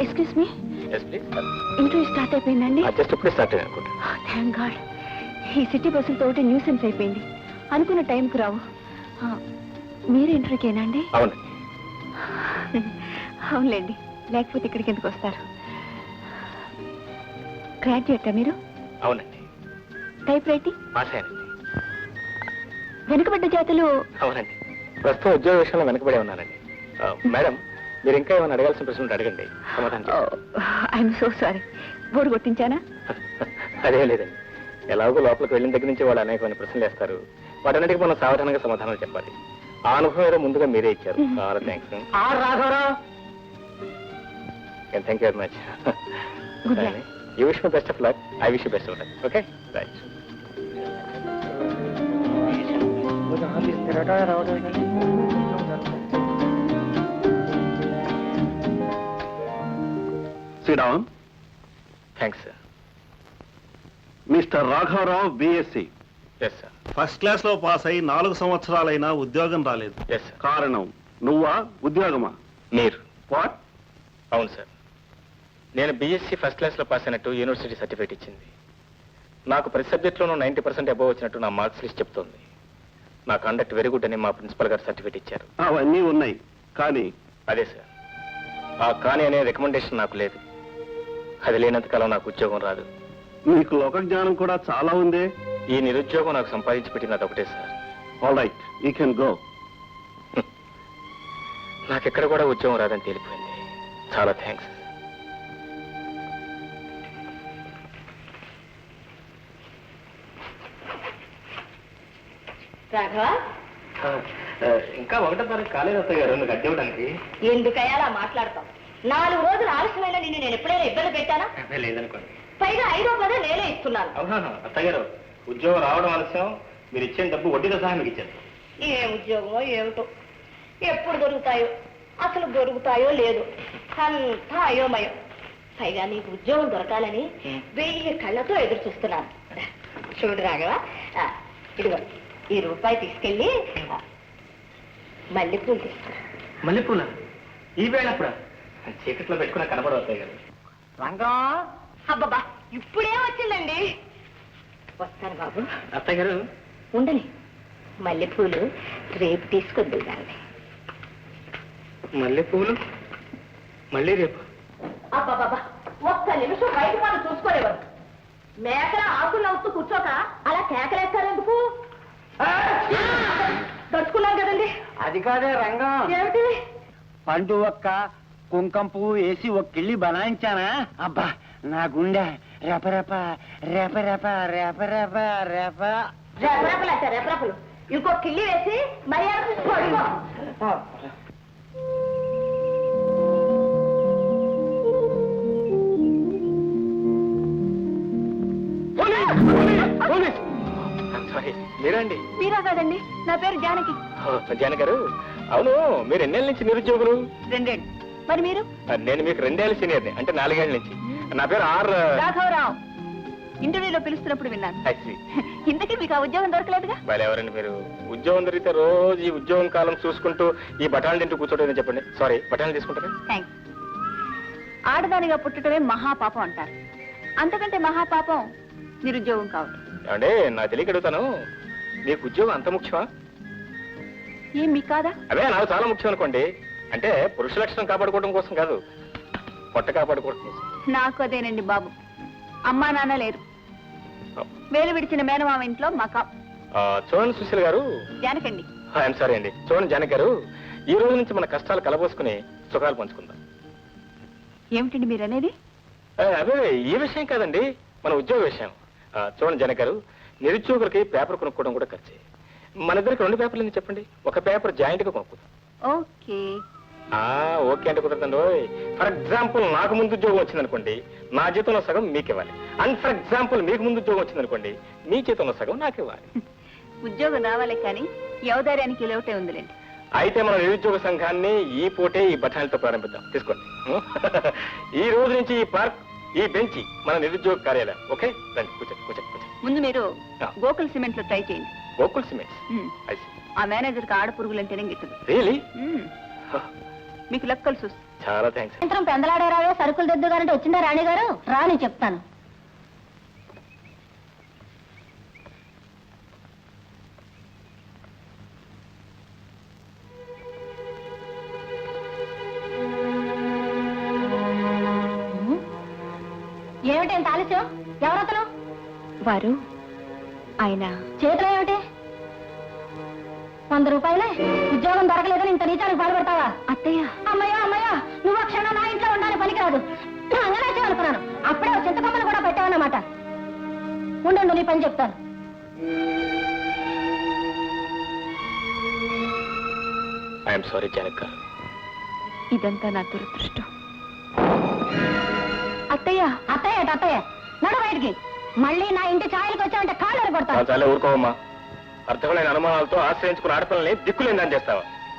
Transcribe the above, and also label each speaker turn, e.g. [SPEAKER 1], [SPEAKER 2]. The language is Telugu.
[SPEAKER 1] Excuse me.
[SPEAKER 2] yes please.
[SPEAKER 1] Interview start అయిపోయిందండి.
[SPEAKER 2] జస్ట్ ఇప్పుడే స్టార్ట్ అయ్యింది అనుకుంటా.
[SPEAKER 1] Thank God. ఈ సిటీ బస్సులతోటి న్యూసెన్స్ అయిపోయింది. అనుకున్న టైంకి రావు. మీరు ఇంటర్వ్యూకేనా అండి?
[SPEAKER 2] అవునండి.
[SPEAKER 1] అవునులేండి, లేకపోతే ఇక్కడికి ఎందుకు వస్తారు? గ్రాడ్యుయేటా మీరు?
[SPEAKER 2] అవునండి.
[SPEAKER 1] Type writing?
[SPEAKER 2] పాస్ అయ్యానండి.
[SPEAKER 1] వెనుకబడ్డ జాతులు?
[SPEAKER 2] అవునండి. ప్రస్తుతం ఉద్యోగ విషయంలో వెనకబడే ఉన్నానండి. మేడం, మీరు ఇంకా ఏమైనా అడగాల్సిన ప్రశ్నలు అడగండి, సమాధానం.
[SPEAKER 1] I'm so sorry. బోర్డు కొట్టించానా?
[SPEAKER 2] అదే లేదండి, ఎలాగో లోపలికి వెళ్ళిన దగ్గర నుంచి వాళ్ళు అనేకమైన ప్రశ్నలు వేస్తారు. వాటన్నిటికీ మనం సావధానంగా సమాధానాలు చెప్పాలి. ఆ అనుభవం ఏదో ముందుగా మీరే ఇచ్చారు. చాలా thanks. Thank you very much. You wish my best of luck. I wish you best of luck. Okay, right.
[SPEAKER 3] Sit down.
[SPEAKER 2] Thanks, sir.
[SPEAKER 3] Mr. Raghavarao, BSc.
[SPEAKER 2] Yes, sir.
[SPEAKER 3] First class లో పాస్ అయి 4 సంవత్సరాలైనా ఉద్యోగం రాలేదు.
[SPEAKER 2] Yes, sir.
[SPEAKER 3] కారణం నువ్వా, ఉద్యోగమా?
[SPEAKER 2] మీరు.
[SPEAKER 3] వాట్?
[SPEAKER 2] అవును సార్, నేను బీఎస్సీ ఫస్ట్ క్లాస్లో పాస్ అయినట్టు యూనివర్సిటీ సర్టిఫికేట్ ఇచ్చింది. నాకు ప్రతి సబ్జెక్ట్లోనూ 90% అబోవ్ వచ్చినట్టు నా మార్క్స్ లిస్ట్ చెప్తోంది. నా కండక్ట్ వెరీ గుడ్ అని మా ప్రిన్సిపల్ గారు సర్టిఫికేట్ ఇచ్చారు.
[SPEAKER 3] అవన్నీ ఉన్నాయి, కానీ
[SPEAKER 2] అదే సార్, ఆ కానీ అనే రికమెండేషన్ నాకు లేదు. అది లేనంతకాలం నాకు ఉద్యోగం రాదు.
[SPEAKER 3] నీకు లోక జ్ఞానం కూడా చాలా ఉంది.
[SPEAKER 2] ఈ నిరుద్యోగం నాకు సంపాదించి పెట్టినది ఒకటే sir.
[SPEAKER 3] All right, you can go.
[SPEAKER 2] నాకెక్కడ కూడా ఉద్యోగం రాదని తేలిపోయింది. చాలా థ్యాంక్స్.
[SPEAKER 1] రాఘవ,
[SPEAKER 2] ఇంకా 1వ తారీఖు కాలేదు అత్తయ్య గారు నువ్వు గడ్డి ఇవ్వడానికి.
[SPEAKER 1] ఎందుకయ్యా అలా మాట్లాడతాం? 4 రోజులు ఆలస్యమైన నిన్ను నేను ఎప్పుడైనా ఇబ్బంది పెట్టానా?
[SPEAKER 2] లేదనుకోండి.
[SPEAKER 1] పైగా 5వ పదే నేనే ఇస్తున్నాను.
[SPEAKER 2] అవునా అత్తయ్య గారు, ఉద్యోగం రావడం ఆలస్యం, మీరు ఇచ్చిన డబ్బు వడ్డీతో సహా మీకు ఇచ్చారు.
[SPEAKER 1] ఏ ఉద్యోగమో ఏమిటో, ఎప్పుడు దొరుకుతాయో, అసలు దొరుకుతాయో లేదు, అంతా అయోమయం. పైగా నీకు ఉద్యోగం దొరకాలని 1000 కళ్ళతో ఎదురు చూస్తున్నాను. చూడు రాఘవ, ఇదిగో ఈ రూపాయి తీసుకెళ్ళి మల్లెపూలు తీసుకురా.
[SPEAKER 2] మల్లెపూల ఈ వేళప్పుడు చీకట్లో పెట్టుకున్న కనబడవు అత్తయ్య గారు.
[SPEAKER 1] రంగా, అబ్బబ్బా ఇప్పుడే వచ్చిందండి. వస్తాను బాబు.
[SPEAKER 2] అత్తయ్య గారు
[SPEAKER 1] ఉండని, మల్లెపూలు రేపు తీసుకొద్దు దాన్ని.
[SPEAKER 2] మల్లెపూలు మళ్ళీ రేపు?
[SPEAKER 1] అబ్బాబాబా, ఒక్క నిమిషం బయట వాళ్ళు చూసుకోలేవారు. మేకల ఆకులు నవ్వుతూ కూర్చోక అలా కేకలేస్తారెందుకు? దడుచుకున్నాం కదండి.
[SPEAKER 4] అది కాదే రంగం,
[SPEAKER 1] ఏమిటి?
[SPEAKER 4] పండు ఒక్క కుంకం పువ్వు వేసి ఒక కిళ్ళి బనాయించానా, అబ్బా నా గుండె రెపరెప రెపరెప రెపరెప రెప.
[SPEAKER 1] రెపరెపలు అంటే రెపరెపలు. ఇంకో కిళ్ళి వేసి మర్యాద పడుకో.
[SPEAKER 2] మీరండి?
[SPEAKER 1] మీరా కాదండి, నా పేరు జానకి.
[SPEAKER 2] జానకి గారు, అవును మీరు ఎన్నేళ్ళ నుంచి నిరుద్యోగులు?
[SPEAKER 1] 2 ఏళ్ళు. మరి మీరు?
[SPEAKER 2] నేను మీకు 2 ఏళ్ళ సీనియర్ని, అంటే 4 ఏళ్ళ నుంచి. నా పేరు
[SPEAKER 1] రాఘవరావు. ఇంటర్వ్యూలో పిలుస్తున్నప్పుడు విన్నాను. ఇంతకీ మీకు ఆ ఉద్యోగం దొరకలేదుగా?
[SPEAKER 2] వాళ్ళు ఎవరండి మీరు? ఉద్యోగం దొరికితే రోజు ఈ ఉద్యోగం కాలం చూసుకుంటూ ఈ బఠాలు తింటూ కూర్చోటం చెప్పండి. సారీ, బఠాలు తీసుకుంటారా?
[SPEAKER 1] థ్యాంక్స్. ఆడదానిగా పుట్టడమే మహాపాపం అంటారు. అంతకంటే మహాపాపం నిరుద్యోగం కావడం.
[SPEAKER 2] అంటే నా తెలియక అడుగుతాను, మీకు ఉద్యోగం అంత ముఖ్యమా?
[SPEAKER 1] ఏం మీకు కాదా?
[SPEAKER 2] అదే నాకు చాలా ముఖ్యం అనుకోండి. అంటే పురుష లక్షణం కాపాడుకోవడం కోసం కాదు, పొట్ట కాపాడుకోవడం కోసం.
[SPEAKER 1] నాకు అదేనండి బాబు. అమ్మా నాన్న లేరు, వేలు విడిచిన మేనమామ ఇంట్లో మకా.
[SPEAKER 2] చూడండి సుశీల గారు.
[SPEAKER 1] జానకండి.
[SPEAKER 2] ఐఎమ్ సారీ అండి. చూడండి జానకి గారు, ఈ రోజు నుంచి మన కష్టాలు కలబోసుకుని సుఖాలు పంచుకుందాం.
[SPEAKER 1] ఏమిటండి మీరు అనేది?
[SPEAKER 2] అదే ఈ విషయం కాదండి, మన ఉద్యోగ విషయం. చూడండి జానకి గారు, నిరుద్యోగులకి పేపర్ కొనుక్కోవడం కూడా ఖర్చే. మన ఇద్దరికి 2 పేపర్లు ఎందుకు చెప్పండి, ఒక పేపర్ జాయింట్ గా కొనుక్కుందాం.
[SPEAKER 1] ఓకే.
[SPEAKER 2] ఓకే అంటే కుదరదండి. ఫర్ ఎగ్జాంపుల్ నాకు ముందు ఉద్యోగం వచ్చిందనుకోండి, నా జీతంలో సగం మీకు ఇవ్వాలి. అండ్ ఫర్ ఎగ్జాంపుల్ మీకు ముందు ఉద్యోగం వచ్చిందనుకోండి, మీ జీతంలో సగం నాకు ఇవ్వాలి.
[SPEAKER 1] ఉద్యోగం రావాలి కానీ యవదార్యానికి లోటే ఉందిలేండి.
[SPEAKER 2] అయితే మన నిరుద్యోగ సంఘాన్ని ఈ పూటే ఈ బఠానీతో ప్రారంభిద్దాం. తీసుకోండి. ఈ రోజు నుంచి ఈ పార్క్, ఈ బెంచి మన నిరుద్యోగ కార్యాలయం. ఓకే, రండి కూర్చోండి కూర్చోండి కూర్చోండి.
[SPEAKER 1] ముందు మీరు గోకుల్ సిమెంట్ లో ట్రై చేయండి.
[SPEAKER 2] గోకుల్ సిమెంట్స్?
[SPEAKER 1] ఆ మేనేజర్ కి ఆడపురుగులంటేనే గిట్టదు.
[SPEAKER 2] రియలీ?
[SPEAKER 1] మీకు లెక్కలు చూసి
[SPEAKER 2] చాలా థ్యాంక్స్.
[SPEAKER 1] సాయంత్రం పెందలాడారావే సరుకులు దిద్దుగారంటే వచ్చిందా రాణి గారు? రాని చెప్తాను. ఏమిటి ఎంత ఆలస్యం? ఎవరతను? వారు ఆయన చేతిలో ఏమిటి? 100 రూపాయలే. ఉద్యోగం దొరకలేదని ఇంత నీచానికి పాల్పడతావా? అత్తయ్య. అమ్మయ్య అమ్మయ్య, నువ్వు ఆ క్షణం నా ఇంట్లో ఉండాలి పనికిరాదు. అంగనాచే అనుకున్నాను. అప్పుడే చింతకొమ్మను కూడా పెట్టావన్నమాట. ఉండు నీ పని చెప్తాను.
[SPEAKER 2] I'm sorry Janak.
[SPEAKER 1] ఇదంతా నా దురదృష్టం. అత్తయ్య అత్తయ్య అత్తయ్య, నడు బయటికి. మళ్ళీ నా ఇంటి ఛాయలకు వచ్చావంటే కాళ్ళు కొడతాను.
[SPEAKER 2] చాలా ఊరుకోవమ్మా. అర్థమైన అనుమానాలతో ఆశ్రయించుకున్న ఆడపిల్లని దిక్కులేందని చేస్తావా?